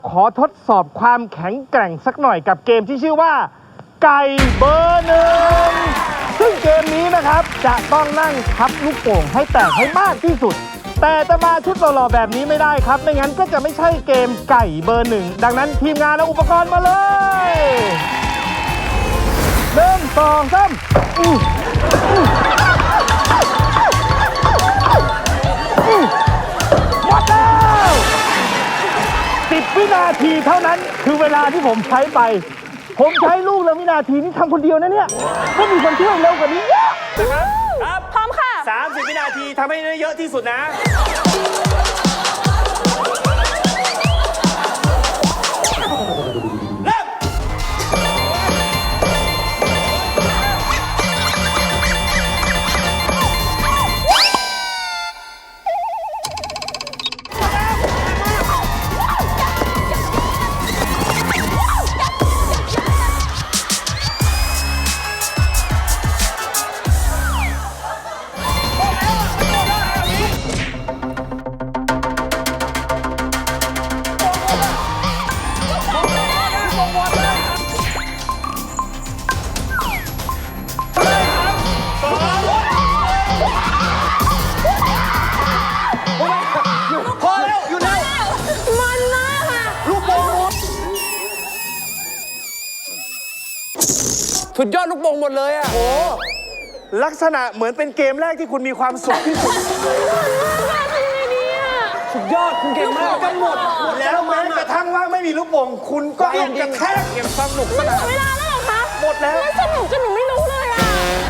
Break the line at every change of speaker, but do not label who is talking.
ขอทดสอบความแข็งแกร่งสักหน่อยกับเกมที่ชื่อว่าไก่เบอร์หนึ่งซึ่งเกมนี้นะครับจะต้องนั่งทับลูกโป่งให้แตกให้มากที่สุดแต่จะมาชุดหล่อๆแบบนี้ไม่ได้ครับไม่งั้นก็จะไม่ใช่เกมไก่เบอร์หนึ่งดังนั้นทีมงานเอาอุปกรณ์มาเลย1 2 3หมดแล้ว10 วินาทีเท่านั้นคือเวลาที่ผมใช้ไปผมใช้ลูกละวินาทีนี่ทำคนเดียวนะเนี่ยก็มีคนเที่ยวเร็วกว่านี้เยอะ
ครับ
พร้อมค่ะ
30 วินาทีทำให้ได้เยอะที่สุดนะเริ่มพอแล้วอยู่แล้ว
มันมากค่ะ
ลูกโป่งหมดสุดยอดลูกโป่งหมดเลยอ่ะโอ้ลักษณะเหมือนเป็นเกมแรกที่คุณมีความสุขที่สุดสุดยอดคุณเก่งมากก็หมดแล้วแม้กระทั่งว่าไม่มีลูกโป่งคุณก็ยังกระแทกเก็บสนุกสนาน
เวลาแล้วเหรอคะ
หมดแล้ว
สนุกจนหนูไม่รู้เลยอ่ะ